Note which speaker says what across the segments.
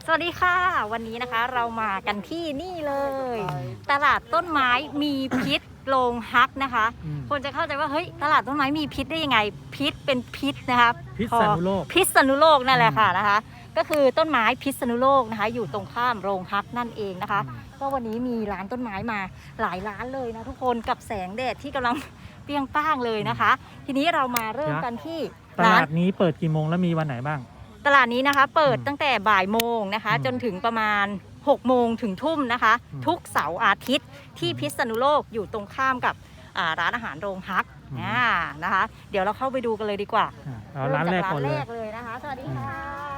Speaker 1: สวัสดีค่ะวันนี้นะคะเรามากันที่นี่เลย ตลาดต้นไม้มีพิษโรงฮักนะคะคนจะเข้าใจว่าเฮ้ยตลาดต้นไม้มีพิษได้ยังไงพิษเป็นพิษนะคะ
Speaker 2: พิษณุโลก
Speaker 1: พิษณุโลกนั่นแหละค่ะนะคะก็คือต้นไม้พิษณุโลกนะคะอยู่ตรงข้ามโรงฮักนั่นเองนะคะก็วันนี้มีร้านต้นไม้มาหลายร้านเลยนะทุกคนกับแสงแดดที่กำลังเปรี้ยงป้างเลยนะคะทีนี้เรามาเริ่มกันที่
Speaker 2: ตลาดนี้เปิดกี่โมงแล้วมีวันไหนบ้าง
Speaker 1: ตลาดนี้นะคะเปิดตั้งแต่บ่ายโมงนะคะจนถึงประมาณ6 โมงถึงทุ่มนะคะทุกเสาร์อาทิตย์ที่พิษณุโลกอยู่ตรงข้ามกับร้านอาหารโรงฮักนะคะเดี๋ยวเราเข้าไปดูกันเลยดีกว่า
Speaker 2: เอาร้านแรกก่อน
Speaker 1: เลยนะคะสวัสดีค่ะ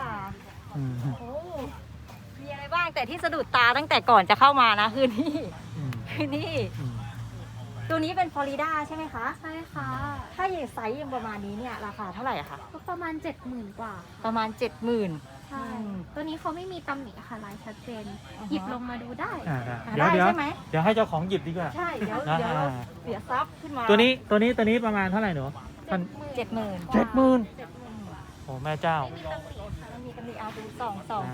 Speaker 1: มีอะไรบ้างแต่ที่สะดุดตาตั้งแต่ก่อนจะเข้ามานะคือนี่ตัวนี้เป็นฟลอริดาใช่ไหมคะ
Speaker 3: ใช่ค่ะ
Speaker 1: ถ้าอย่างไซส์ยังประมาณนี้เนี่ยราคาเท่าไหร่อะคะ
Speaker 3: ก็ประมาณ 70,000 กว่า
Speaker 1: ประมาณ 70,000
Speaker 3: ใช่ตัวนี้เขาไม่มีตำหนิค่ะลายชัดเจนหยิบลงมาดูได้
Speaker 2: เดี๋ยวให้เจ้าของหยิบดีกว่า
Speaker 1: ใช่เดี๋ยวเสียทรัพย์ขึ้นมา
Speaker 2: ตัวนี้ประมาณเท่าไหร่หนู
Speaker 1: 70,000
Speaker 2: โอ้แม่เจ้า
Speaker 1: มีตำหนิเอาดูสอง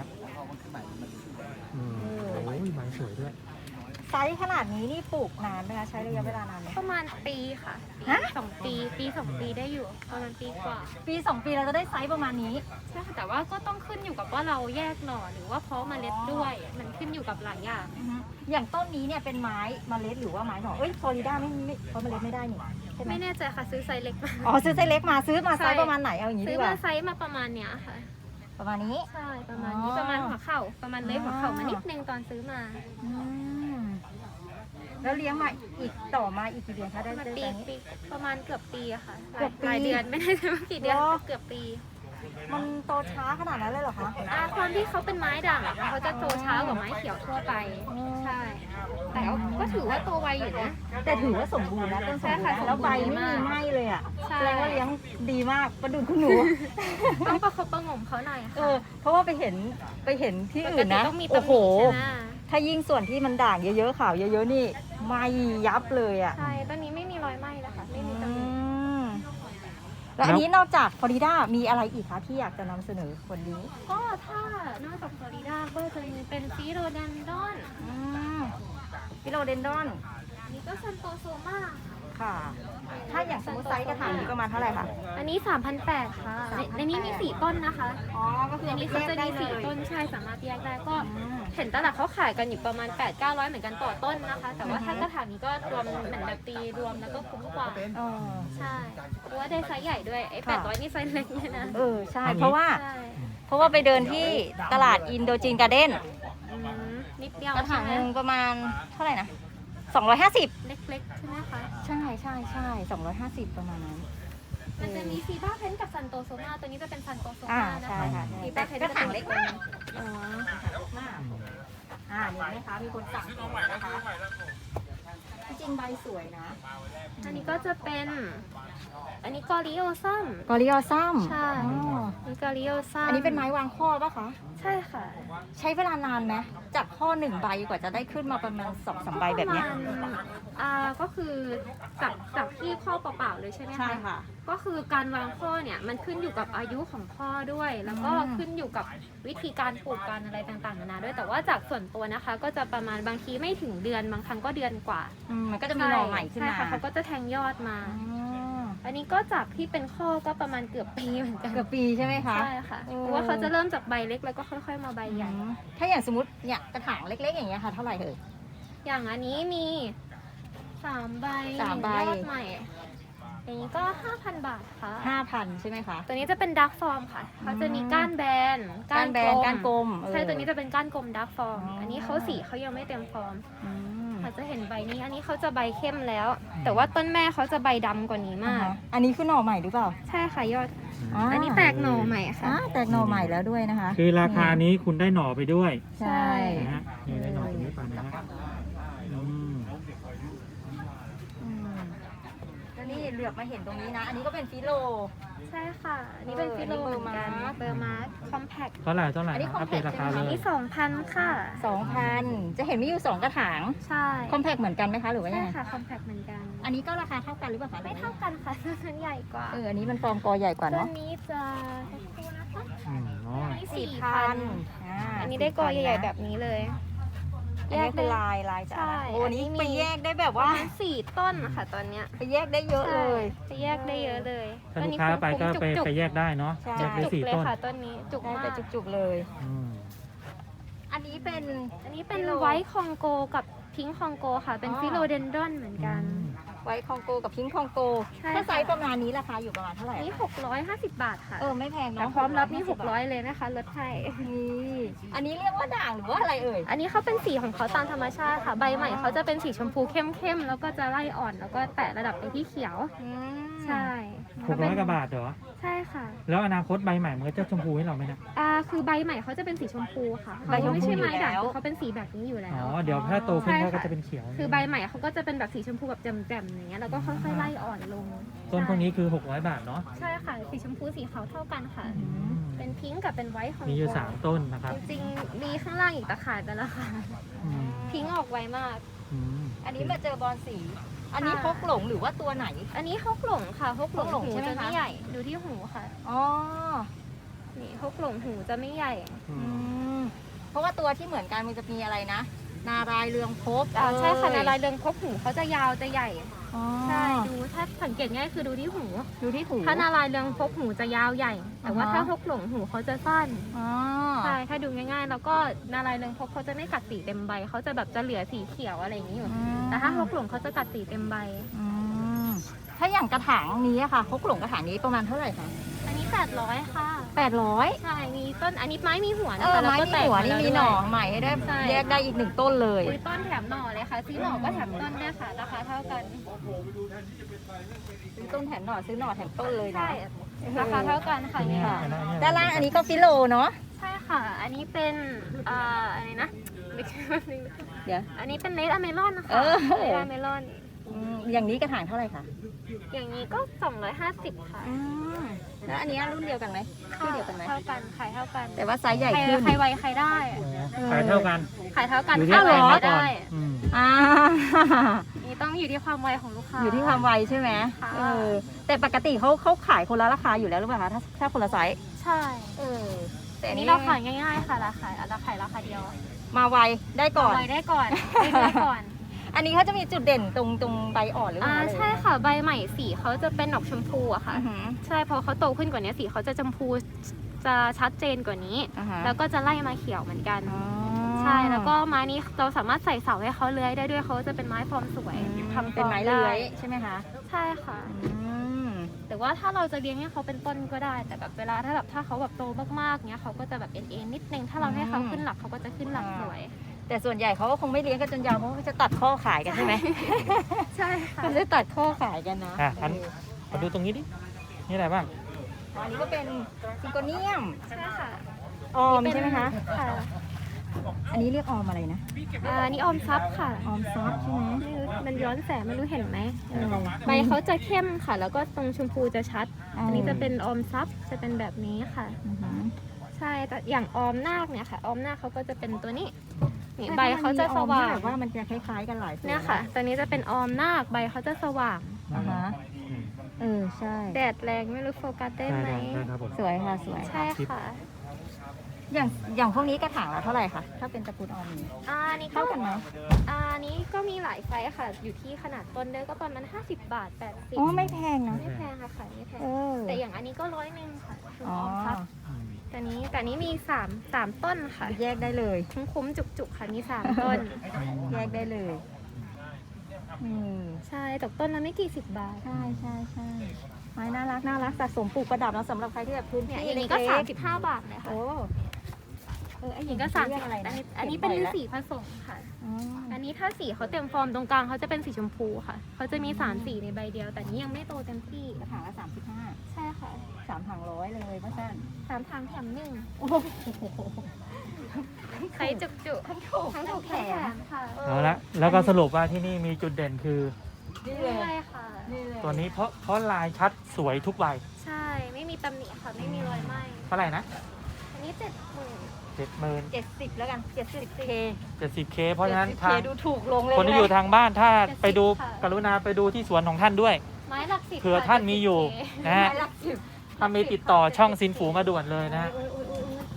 Speaker 2: โอ้ยใบสวยด้วย
Speaker 1: ไซส์ขนาดนี้นี่ปลูกนานไหมคะใช้ระยะเวลานานไหม
Speaker 3: ประมาณปีค่ะ2 ปีได้อยู่ประมาณปีกว่า
Speaker 1: ปี2 ปีเราจะได้ไซส์ประมาณนี้
Speaker 3: ใช่ค่ะแต่ว่าก็ต้องขึ้นอยู่กับว่าเราแยกหน่อหรือว่าเพาะเมล็ดด้วยมันขึ้นอยู่กับหลายอย่าง
Speaker 1: อย่างต้นนี้เนี่ยเป็นไม้เมล็ดหรือว่าไม้หน่อฟลอริดาไม่เพราะเมล็ดไม่ได้นี่
Speaker 3: ไม่แน่ใจค่ะซื้อไซส์เล็กมา
Speaker 1: ซื้อไซส์เล็กมาซื้อมาไซส์ประมาณไหนเอาอย่างนี้ดีกว่า
Speaker 3: ซื้อมาไซส์มาประมาณเนี้ยค่ะ
Speaker 1: ประมาณนี้
Speaker 3: ใช่ประมาณนี้ประมาณหัวเข่าประมาณเลยหัวเข่ามานิดนึงตอนซื้อมา
Speaker 1: แล้วเลี้ยงมาอีกต่อมาอีกกี่เดือนคะได้
Speaker 3: ปีประมาณเกือบปีอะค่ะหลายเดือนไม่ได้ใช่ว่ากี่เดือนเกือบปี
Speaker 1: มันโตช้าขนาดนั้นเลยเหรอคะ
Speaker 3: ความที่เขาเป็นไม้ด่างเขาจะโตช้ากว่าไม้เขียวทั่วไปใช่แต่ก็ถือว่าโตไวอยู่นะ
Speaker 1: แต่ถือว่าสมบูรณ์นะต้นสมบูรณ์แล้วใบไม่มีไหม้เลยอ่ะแสดงว่าเลี้ยงดีมากประดุจคุณหนู
Speaker 3: ต้องประคบประงมเขาหน่อย
Speaker 1: เพราะว่าไปเห็นที่อื่นนะโอ้โหถ้ายิ่งส่วนที่มันด่างเยอะๆขาวเยอะๆนี่ไหม้ยับเลยอ่ะ
Speaker 3: ใช่ต้นนี้ไม่มีรอยไหม้นะคะไม่มีตำหนิ
Speaker 1: แล้วอันนี้นอกจากฟลอริดามีอะไรอีกคะที่อยากจะนำเสนอคนนี้
Speaker 3: ก็ถ้านอกจากฟลอริดาก็จะมีเป็นฟิโลเดนดอนนี่ก็ซันโตโซมา
Speaker 1: ค่ะถ้าอย่างสมมติไซส์กระถางนี้ประมาณเท่าไหร่คะ
Speaker 3: อันนี้ 3,800 ค่ะในนี้มี4 ต้นนะคะ
Speaker 1: ก็คืออันนี้
Speaker 3: เขาจะมี4 ต้นใช่สามารถแยกได้ก็เห็นตลาดเขาขายกันอยู่ประมาณ 800-900 เหมือนกันต่อต้นนะคะแต่ว่าถ้ากระถางนี้ก็รวมเหมือนแบบตีรวมแล้วก็คุ้มกว่าใช่เพราะว่าได้ไซส์ใหญ่ด้วยไอ้800นี่ไซส์เล็กเลยนะ
Speaker 1: ใช่เพราะว่าไปเดินที่ตลาดอินโดจีนการ์เด้น
Speaker 3: นิดเดียว
Speaker 1: กระถางนึงประมาณเท่าไหร่นะ250
Speaker 3: เล็กๆใช่ไหมคะ
Speaker 1: ใช่250ประมาณนั้น
Speaker 3: มันจะมีซีบ้าเพนกับซันโตโซมาตัวนี้จะเป็นซันโตโซมานะคะ
Speaker 1: ซีบ้าเพนกระถางเล็กมากนี่นะคะมีคนสั่งนะคะจริงใบสวยนะ
Speaker 3: อันนี้ก็จะเป็นอันนี้กอริโอซัมใช่นี่กอริโอซัม
Speaker 1: อันนี้เป็นไม้วางข้อป่ะคะ
Speaker 3: ใช่ค่ะ
Speaker 1: ใช้เวลานานไหมจากข้อ1 ใบกว่าจะได้ขึ้นมาประมาณ2-3 ใบแบบนี้
Speaker 3: ก็คือจากที่ข้อเปล่าๆเลยใช่ไหมคะ
Speaker 1: ใช่ค่ะ
Speaker 3: ก็คือการวางข้อเนี่ยมันขึ้นอยู่กับอายุของข้อด้วยแล้วก็ขึ้นอยู่กับวิธีการปลูกการอะไรต่างๆนานาด้วยแต่ว่าจากส่วนตัวนะคะก็จะประมาณบางทีไม่ถึงเดือนบางครั้งก็เดือนกว่า
Speaker 1: มันก็จะมีหน่อใหม่ขึ้นมา
Speaker 3: ใช่ค่ะเขาก็จะแทงยอดมาอันนี้ก็จากที่เป็นข้อก็ประมาณเกือบปีเหมือนกัน
Speaker 1: เกือบปีใช่ไหมคะ
Speaker 3: ใช่ค่ะเพราะว่าเขาจะเริ่มจากใบเล็กแล้วก็ค่อยๆมาใบใหญ่
Speaker 1: ถ้าอย่างสมมติเนี่ยกระถางเล็กๆอย่างเงี้ยค่ะเท่าไหร่เอ่ย
Speaker 3: อย่างอันนี้มี3 ใบยอดใหม่อย่างนี้ก็ 5,000 บาทค่ะ
Speaker 1: 5,000 ใช่ไหมคะ
Speaker 3: ตัวนี้จะเป็นดาร์กฟอร์มค่ะเขาจะมีก้านแบนก้าน
Speaker 1: กลม
Speaker 3: ใช่ตัวนี้จะเป็นก้านกลมดาร์กฟอร์มอันนี้เขาสีเขายังไม่เต็มฟอร์มอาจจะเห็นใบนี้อันนี้เขาจะใบเข้มแล้วแต่ว่าต้นแม่เขาจะใบดำกว่านี้มาก
Speaker 1: อันนี้คือหน่อใหม่หรือเปล่า
Speaker 3: ใช่ค่ะยอดอันนี้แตกหน่อใหม่ค่ะ
Speaker 1: แตกหน่อใหม่แล้วด้วยนะคะ
Speaker 2: คือราคานี้คุณได้หน่อไปด้วย
Speaker 1: ใช่
Speaker 2: นะฮะนี่ได้หน่อตรงนี้ไปนะฮะ
Speaker 1: นี่เหลือบมาเห็นตรงนี้นะอันนี้ก็เป็นฟิโล
Speaker 3: ใช่ค่ะอันนี้เป็นฟิโลเหมือนกันเบอร์มาร์คอมแพค
Speaker 2: เท่าไหร่อันนี้
Speaker 1: คอมแพค
Speaker 2: ราคาเลย
Speaker 3: อันนี้ 2,000 ค่ะ
Speaker 1: 2,000จะเห็นมีอยู่2 กระถาง
Speaker 3: ใช่
Speaker 1: คอมแพคเหมือนกันไหมคะหรือว่ายังไง
Speaker 3: ใช่ค่ะคอมแพคเหมือนกัน
Speaker 1: อันนี้ก็ราคาเท่ากันหรือเปล่าคะ
Speaker 3: ไม่เท่ากันค่ะมันใหญ่กว่า
Speaker 1: อันนี้มันฟอร์มกอใหญ่กว่าเนาะ
Speaker 3: ตัวนี้จะ
Speaker 2: อ๋อ
Speaker 3: อันนี้
Speaker 1: 4,000
Speaker 3: 4,000อันนี้ได้กอใหญ่ๆแบบนี้เลย
Speaker 1: แยกเป็นลายจะ
Speaker 3: ใช่
Speaker 1: โอ้
Speaker 3: อันนี้
Speaker 1: นี้
Speaker 3: มี
Speaker 1: ไปแยกได้แบบ
Speaker 3: ประ
Speaker 1: ว่า
Speaker 3: มาณ4 ต้นค่ะตอนเนี้ย
Speaker 1: ไปแยกได้เยอะเลย
Speaker 3: ใช่จะแยกได้เยอะเลย
Speaker 2: ถ้าลูกค้าไปก็ไป
Speaker 3: จุก
Speaker 2: ไปแยกได้เนาะ
Speaker 1: ใช่
Speaker 2: แยกได้
Speaker 3: ๆจุก
Speaker 2: สี่
Speaker 3: เลย
Speaker 2: ต้น
Speaker 3: ค่ะต้นนี้จุก
Speaker 1: ได้
Speaker 3: มา
Speaker 1: แต่
Speaker 3: ก
Speaker 1: จุกๆเลย
Speaker 2: อืม
Speaker 1: อันนี้เป็น
Speaker 3: อันนี้เป็นไวท์คองโกกับพิงค์คองโกค่ะ เป็นฟิโลเดนดรอนเหมือนกัน
Speaker 1: ไวท์คองโกกับพิงค์คองโก
Speaker 3: ใช่
Speaker 1: ถ้า
Speaker 3: ค่ะ
Speaker 1: ไซส์ประมาณนี้ราคาอยู่ประมาณเท่าไหร่
Speaker 3: อันนี้
Speaker 1: คะ
Speaker 3: 650 บาทค่ะ
Speaker 1: ไม่แพง
Speaker 3: แต่
Speaker 1: เนาะ
Speaker 3: พร้อมรับนี่
Speaker 1: 650
Speaker 3: 600เลยนะคะลดให้
Speaker 1: นี่อันนี้เรียกว่าด่างหรือว่าอะไรเอ่ย
Speaker 3: อันนี้เขาเป็นสีของเขาตามธรรมชาติค่ะ ใบใหม่เขาจะเป็นสีชมพูเข้มๆ แล้วก็จะไล่อ่อน แล้วก็แตะระดับไปที่เขียว ใช่
Speaker 2: 600 กว่าบาทเหรอ
Speaker 3: ใช่ค่ะ
Speaker 2: แล้วอนาคตใบใหม่มันก็จะชมพูให้เราไหมนะ
Speaker 3: คือใบใหม่เขาจะเป็นสีชมพูค่ะ
Speaker 1: ใบชมพู
Speaker 3: ไม่ใช่ไม้ด่าง
Speaker 1: อยู่แล้ว
Speaker 3: คือเขาเป็นสีแบบนี้อยู่แล้
Speaker 2: อ๋อ
Speaker 3: ว
Speaker 2: เดี๋ยวถ้าโตขึ้น
Speaker 3: ใช่
Speaker 2: เขา
Speaker 3: ค่ะ
Speaker 2: ก็จะเป็นเขียว
Speaker 3: คือใบใหม่เขาก็จะเป็นแบบสีชมพูแบบแจ่มๆอย่างเงี้ย แล้วก็ค่อยๆไล่อ่อนลง
Speaker 2: ต้นพวกนี้คือ 600 บาทเนาะ
Speaker 3: ใช่ค่ะ สีชมพูสีขาวเท่ากันค่ะ
Speaker 2: อืม
Speaker 3: เป็นพิงค์กับเป็นไวท์ของ
Speaker 2: มีอยู่ 3 ต้นนะครับ
Speaker 3: จริงๆ มีข้างล่างอีกตะข่ายไปแล้วค่ะ
Speaker 2: อืม
Speaker 3: พิงค์ออกไวมาก
Speaker 2: อืม
Speaker 1: อันนี้มาเจอบอลสี อันนี้
Speaker 3: ค่ะ
Speaker 1: พกหลงหรือว่าตัวไหน
Speaker 3: อันนี้ฮกหลงค่ะฮกหลง
Speaker 1: ฮกหลง
Speaker 3: หู
Speaker 1: ใช่ไหม
Speaker 3: จะ
Speaker 1: คะ
Speaker 3: ไม่ใหญ่ ดูที่หูค่ะ
Speaker 1: อ๋อ
Speaker 3: นี่ฮกหลงหูจะไม่ใหญ่
Speaker 2: อื
Speaker 1: อื
Speaker 2: ม
Speaker 1: มเพราะว่าตัวที่เหมือนกันมันจะมีอะไรนะ นารายณ์เรืองภพ
Speaker 3: ใช่ค่ะ
Speaker 1: เอ้
Speaker 3: นารายณ์เรืองภพหูเขาจะยาวจะใหญ่
Speaker 1: อ๋อ
Speaker 3: ใช่ ดูถ้าสังเกตง่ายคือดูที่หู
Speaker 1: ดูที่หู
Speaker 3: ถ้านารายณ์เรืองภพหูจะยาวใหญ่ แต่ว่า
Speaker 1: อ่าฮะ
Speaker 3: ถ้าฮกหลงหูเขาจะสั้น
Speaker 1: อ๋อ
Speaker 3: ใช่ ถ้าดูง่ายๆ แล้วก็นารายณ์เรืองภพเขาจะไม่กัดสีเต็มใบ เขาจะแบบจะเหลือสีเขียวอะไรอย่างนี้อยู่ แต่ถ้าฮกหลงเขาจะกัดสีเต็มใบ
Speaker 1: อืมถ้าอย่างกระถางนี้อะค่ะพกหลงกระถางนี้ประมาณเท่าไหร่คะ
Speaker 3: อันนี้800ค่ะ
Speaker 1: 800
Speaker 3: ใช่ มีต้น อันนี้ไม้มีหัวนะ
Speaker 1: เออ
Speaker 3: คะ
Speaker 1: ไม้
Speaker 3: แล้วก็
Speaker 1: มี
Speaker 3: แตก
Speaker 1: หัว
Speaker 3: มา
Speaker 1: นี่
Speaker 3: แล้ว
Speaker 1: มี
Speaker 3: ด้วย
Speaker 1: หน่อใหม่ให้ได้
Speaker 3: ใช่
Speaker 1: แยกได้อีก1ต้นเลย
Speaker 3: ซื้อต้นแถมหน่อเลยค่ะ ซื้อหน่อก็แถมต้นด้วยค่ะ ราคาเท่ากัน
Speaker 1: ซื้อต้นแถมหน่อซื้อหน่อแถมต้นเลยนะ
Speaker 3: ใช่ ราคาเท่ากันค่ะเนี่ย
Speaker 1: ค่ะ
Speaker 2: อันนั้น
Speaker 1: ด้านล่างอันนี้ก็ฟิโลเนาะ
Speaker 3: ใช่ค่ะ อันนี้เป็นอะไรนะ
Speaker 1: เดี๋ยว
Speaker 3: อันนี้เป็นเลดอะเมลอนนะคะ
Speaker 1: เออ
Speaker 3: เลดอะเมลอน
Speaker 1: อย่างนี้กระถางเท่าไหร่คะ
Speaker 3: อย่างนี้ก็ 250 ค่ะ
Speaker 1: แล้วอันนี้รุ่นเดียวกันไหมชื่อเดียวกันไหม
Speaker 3: เท่ากัน ขายเท่ากัน
Speaker 1: แต่ว่าไซส์ใหญ่
Speaker 3: ใคร
Speaker 1: ขึ้น
Speaker 3: ใครไวใครได้
Speaker 2: ขายเท่ากัน
Speaker 3: ขายเท่ากัน
Speaker 2: อยู่ที่
Speaker 3: ถ้า
Speaker 2: ใคร
Speaker 3: ไว
Speaker 2: มา
Speaker 3: ไม่
Speaker 2: ก่อน
Speaker 3: ได้
Speaker 2: อืม
Speaker 1: อ่า
Speaker 3: นี่ต้องอยู่ที่ความไวของลูกค้า
Speaker 1: อยู่ที่ความไวใช่ไหม
Speaker 3: ค่ะ
Speaker 1: แต่ปกติเขาขายคนละราคาอยู่แล้วหรือเปล่าคะถ้าคนละไซส์
Speaker 3: ใช่
Speaker 1: แต่
Speaker 3: อั
Speaker 1: อั
Speaker 3: น
Speaker 1: น
Speaker 3: นี้
Speaker 1: นี้
Speaker 3: เราขายง่ายๆค่ะราคาราคาเดียว
Speaker 1: มาไวได้ก่อน
Speaker 3: ไวได้ก่อนได้ก่อน
Speaker 1: อันนี้เขาจะมีจุดเด่นตรงใบอ่อนหรือเปล่า
Speaker 3: ใช่ค่ะใบใหม่สีเขาจะเป็นดอกชมพูอะค่ะ
Speaker 1: อือหือ
Speaker 3: ใช่พอเขาโตขึ้นกว่านี้สีเขาจะชมพูจะชัดเจนกว่านี้
Speaker 1: อ่าฮะ
Speaker 3: แล้วก็จะไล่มาเขียวเหมือนกัน
Speaker 1: อ๋อ
Speaker 3: ใช่แล้วก็ไม้นี้เราสามารถใส่เสาให้เขาเลื้อยได้ด้วยเขาจะเป็นไม้ฟอร์มสวยทำฟ
Speaker 1: เป็น
Speaker 3: อร์ม
Speaker 1: ไม้
Speaker 3: ได้
Speaker 1: เลื้อยใช่ไหมคะ
Speaker 3: ใช่ค่ะ
Speaker 1: อืม
Speaker 3: แต่ว่าถ้าเราจะเลี้ยงให้เขาเป็นต้นก็ได้ แต่แบบเวลาถ้าเขาแบบโตมากๆเนี้ยเขาก็จะแบบเอ็นนิดนึงถ้าเราให้เขาขึ้นหลักเขาก็จะขึ้นหลักสวย
Speaker 1: แต่ส่วนใหญ่เขาก็คงไม่เลี้ยงกันจนยาวเพราะเขาจะตัดข้อขายกันใช่ไหม
Speaker 3: ใช่ค่ะ
Speaker 1: เขาจะตัดข้อขายกันนะ
Speaker 2: อันมาดูตรงนี้ดิ นี่อะไรบ้าง
Speaker 1: อันนี้ก็เป็นซิงโกเนียม
Speaker 3: ใช่ค่ะ
Speaker 1: ออมใช่ไหมคะ
Speaker 3: ค่ะ
Speaker 1: อันนี้เรียกออมอะไรนะ
Speaker 3: นี่ออมซับค่ะ
Speaker 1: ออมซับใช่ไหม
Speaker 3: ไม่รู้มันย้อนแสงไม่รู้เห็นไหมใบเขาจะเข้มค่ะ แล้วก็ตรงชมพูจะชัด อันนี้จะเป็นออมซับจะเป็นแบบนี้ค่ะ
Speaker 1: อือหือ
Speaker 3: ใช่แต่อย่างออมนาคเนี่ยค่ะ ออมนาคเขาก็จะเป็นตัวนี้นี่ใบเขาจะสว่าง
Speaker 1: แบบว่ามันจะคล้ายๆกันหลายตัว
Speaker 3: เนี่ยค่ะ ตัวนี้จะเป็นออมนาคใบเขาจะสว่าง
Speaker 1: อ่าฮะ
Speaker 2: อืม
Speaker 1: ใช่
Speaker 3: แดดแรงไม่รู้โฟกัสได้
Speaker 2: ได้
Speaker 3: ไหม
Speaker 2: ได้ครับผม
Speaker 1: สวยค่ะสวย
Speaker 3: ใช่ค่ะ
Speaker 1: อย่างพวกนี้กระถางละเท่าไหร่คะถ้าเป็นตระกูลออมนี้
Speaker 3: อันนี้ก็
Speaker 1: เท่ากันไหม
Speaker 3: อันนี้ก็มีหลายไซส์ค่ะ อยู่ที่ขนาดต้นเด้อก็ประมาณ50 บาท 80
Speaker 1: อ๋อไม่แพงนะ
Speaker 3: ไม่แพงค่ะขายไม่แพง
Speaker 1: เออ
Speaker 3: แต่อย่างอันนี้ก็100ค่ะคือ
Speaker 1: อ๋อ
Speaker 3: ออมซับ
Speaker 2: อืม
Speaker 3: แต่นี้มี3ต้นค่ะ
Speaker 1: แยกได้เลย
Speaker 3: คุ้มๆจุกๆค่ะมี3 ต้น
Speaker 1: แยกได้เลยอืม
Speaker 3: ใช่ตกต้นละไม่กี่สิบบาท
Speaker 1: ใช่ไม้น่ารักสะสมปลูกประดับแล้วสำหรับใครที่แบบพื้น
Speaker 3: เนี่ย
Speaker 1: ที่
Speaker 3: อย่างนี้ก็
Speaker 1: เล็ๆ
Speaker 3: 35 บาทเลยค่ะ
Speaker 1: โอ้ไอ้
Speaker 3: อย่างนี้ก็
Speaker 1: เรีย
Speaker 3: 30
Speaker 1: อะไร
Speaker 3: อัน
Speaker 1: นะ
Speaker 3: นี้อันนี้เป็น
Speaker 1: ก็บไว้
Speaker 3: สีผสมค่ะ
Speaker 1: อ๋อ
Speaker 3: อันนี้ถ้าสีเขาเต็มฟอร์มตรงกลางเขาจะเป็นสีชมพูค่ะ เขาจะมี3สีในใบเดียว แต่นี้ยังไม่โตเต็มที่
Speaker 1: กระถางละ35
Speaker 3: ใช่ค่ะ
Speaker 1: 3ถัง100เลยว่าสั้น
Speaker 3: 3 ทางแถมหนึ่ง
Speaker 1: โอ้โห
Speaker 3: ใช้จุกๆทั้งถูกทั้งแถมค่ะ
Speaker 2: เอาละ แล้วก็สรุปว่าที่นี่มีจุดเด่นคือ
Speaker 1: นี่เลย
Speaker 3: ใช่ค่ะ
Speaker 1: นี่เลย
Speaker 2: ตัวนี้เพราะลายชัดสวยทุกใบ
Speaker 3: ใช่ ไม่มีตำหนิค่ะ ไม่มีรอยไหม้
Speaker 2: เท่าไหร่นะ
Speaker 3: อันนี้70,000
Speaker 2: 70,000
Speaker 1: 70แล้วกัน 70K
Speaker 2: 70K เพราะฉะนั้น
Speaker 1: 70K
Speaker 2: ทาง
Speaker 1: ดูถูกลงเลย
Speaker 2: คนที่อยู่ทางบ้านถ้าไปดู
Speaker 3: ค่ะ
Speaker 2: กรุณาไปดูที่สวนของท่านด้วย
Speaker 3: ไม้หลัก10
Speaker 2: เผื่อท่านมีอยู่ นะฮะ
Speaker 1: ไม้ละ10
Speaker 2: ถ้ามีติดต่อช่องซินฝูมาด่วนเลยนะฮะ
Speaker 1: อุ๊ย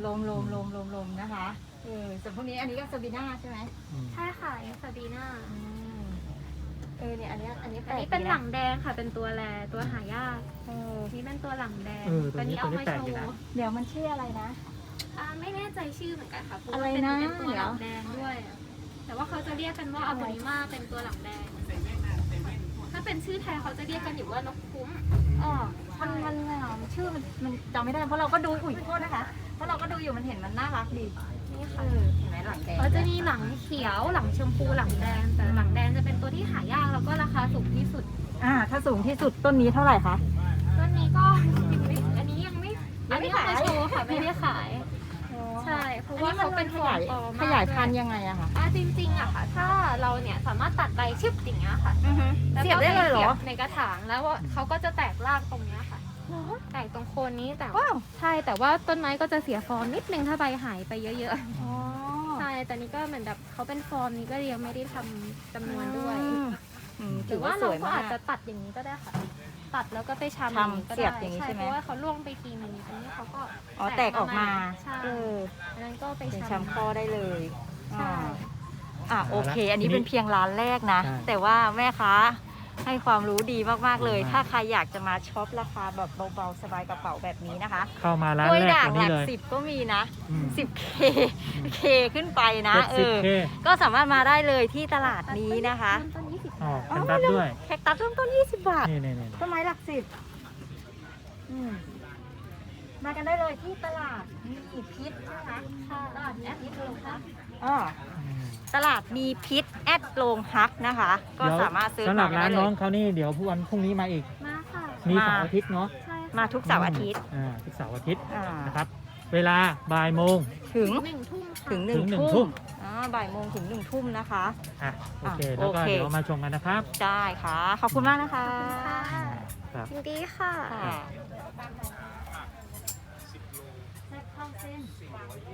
Speaker 1: ลมนะคะส่วนพวกนี้อันนี้ก็ซาบีน่าใช่ไหม
Speaker 3: ใช่ค่ะอันนี้ซาบีน่า
Speaker 1: เนี่ยอันนี้แปล
Speaker 3: อัน
Speaker 1: ก
Speaker 3: นี้เป็น
Speaker 1: ดีะ
Speaker 3: หลังแดงค่ะเป็นตัวแรตัวหายากนี่เป็นตัวหลังแดง
Speaker 2: ตัวนี้
Speaker 3: เอามา
Speaker 2: แปลก
Speaker 3: โช
Speaker 2: อยู่นะ
Speaker 3: ว์
Speaker 1: เดี๋ยวมันชื่ออะไรนะ
Speaker 3: ไม่แน่ใจชื่อเหมือนกันค่ะเพราะ
Speaker 1: อะไร
Speaker 3: ว่า
Speaker 1: นะ
Speaker 3: เป็นตัวหลัง
Speaker 1: เดี๋ยว
Speaker 3: แดงด้วยแต่ว่าเขาจะเรียกกันว่าอัลโบนิมาเป็นตัวหลังแดงถ้าเป็นชื่อไทยเขาจะเรียกกันอยู่ว่านกคุ้ม
Speaker 1: มันชื่อมันจำไม่ได้เพราะเราก็ดูโทษนะคะเพราะเราก็ดูอยู่มันเห็นมันน่ารักดี
Speaker 3: นี่ค่ะ
Speaker 1: เห็นไหมหลังแดง
Speaker 3: เขาจะมีหลังเขียวหลังชมพูหลังแดงแต่หลังแดงจะเป็นตัวที่หายากแล้วก็ราคาสูงที่สุด
Speaker 1: ถ้าสูงที่สุดต้นนี้เท่าไหร่คะ
Speaker 3: ต้นนี้ก็อันนี้ยังไม่อันนี้เอามาโชว์ค่ะไม่ได้ขาย ใช่เพราะว่าเขาเป็นฟอร์มปลอม
Speaker 1: ขยายพันธุ์ยังไงอะคะ
Speaker 3: จริงๆอะค่ะ ถ้าเราเนี่ยสามารถตัดใบชึบอย่างเงี้ยค่ะแล้ว
Speaker 1: เสียบ
Speaker 3: ก็
Speaker 1: ได้เลยเหรอ
Speaker 3: สีบในกระถางแล้วเขาก็จะแตกรากตรงเนี้ยค่ะ แตกตรงโคนนี้แต่
Speaker 1: ว้าว
Speaker 3: ใช่แต่ว่าต้นไม้ก็จะเสียฟอร์มนิดนึงถ้าใบหายไปเยอะๆ ใช่แต่นี่ก็เหมือนแบบเขาเป็นฟอร์มนี้ก็ยังไม่ได้ทำจำนวนด้วย
Speaker 1: ถื
Speaker 3: ถื
Speaker 1: อ
Speaker 3: อ
Speaker 1: ว่า
Speaker 3: ว่า
Speaker 1: ส
Speaker 3: เรา
Speaker 1: วย
Speaker 3: ก็
Speaker 1: มาก
Speaker 3: อาจจะตัดอย่างนี้ก็ได้ค่ะ ตัดแล้วก็ไปชำ
Speaker 1: ทำเสียบอย่างนี้ใช่ไหม
Speaker 3: เพราะว่าเขาล่วงไปทีนึงอันนี้เขาก็
Speaker 1: แตกออกมา
Speaker 3: ใช่อันนั้นก็ไป
Speaker 1: เป็น
Speaker 3: ชำ
Speaker 1: แชมป์ข้อได้เลย
Speaker 3: ใช่
Speaker 1: โอเค อันนี้เป็นเพียงร้านแรกนะ
Speaker 2: ใช่
Speaker 1: แต่ว่าแม่ค้าให้ความรู้ดีมากๆเลย ถ้าใครอยากจะมาช็อปราคาแบบเบาๆสบายกระเป๋าแบบนี้นะคะ
Speaker 2: เข้ามาร้าน
Speaker 1: กล้วย
Speaker 2: แรก
Speaker 1: ด่าง
Speaker 2: ตัว
Speaker 1: ห
Speaker 2: นี้
Speaker 1: ลัก
Speaker 2: เลย
Speaker 1: 10ก็มีนะ
Speaker 2: อืม
Speaker 1: 10K ขึ้นไปนะ
Speaker 2: 70K
Speaker 1: ก็สามารถมาได้เลยที่ตลาดนี้นะคะ
Speaker 3: ต้น20
Speaker 2: อ๋อบ
Speaker 3: าท
Speaker 2: แพนดัสด้วย
Speaker 1: แคคตัสเริ่มต้น20 บาท
Speaker 2: นี่
Speaker 1: ต้นไม้หลัก10มากันได้เลยที่ตลาดมีพิษใช่ไหมคะตลาดแอดมิดโรงพักตลาดมีพิษแอดโรงพักนะคะ ก็สามารถซื้อ
Speaker 2: สำหรับ
Speaker 1: มา
Speaker 2: ร้าน
Speaker 1: ได้เล
Speaker 2: น้อย งเขานี่เดี๋ยววันพรุ่งนี้มาอีก
Speaker 3: มาค่ะ
Speaker 2: มี
Speaker 1: มา
Speaker 2: เสาร์อาทิตย์เนาะ
Speaker 3: ใช่ค่ะ
Speaker 1: มาทุกเสาร์อาทิตย์
Speaker 2: ทุกเสาร์อาทิตย์
Speaker 1: อ่า
Speaker 2: นะครับ เวลาบ่ายโมง
Speaker 1: ถึง
Speaker 3: 1 ทุ่มค่ะ
Speaker 1: ถึง
Speaker 2: ถึง
Speaker 1: 1
Speaker 2: 1 ทุ่
Speaker 1: ทุ่ม
Speaker 2: ม
Speaker 1: บ่ายโมงถึง1 ทุ่มนะคะ
Speaker 2: โอเค แล้วก็
Speaker 1: โอเค
Speaker 2: เดี๋ยวมาชมกันนะครับ
Speaker 1: ได้ค่ะ ขอบคุณมากนะคะ
Speaker 3: ค่ะ
Speaker 2: ครับ
Speaker 3: ยินดีค่ะ
Speaker 1: ค่ะ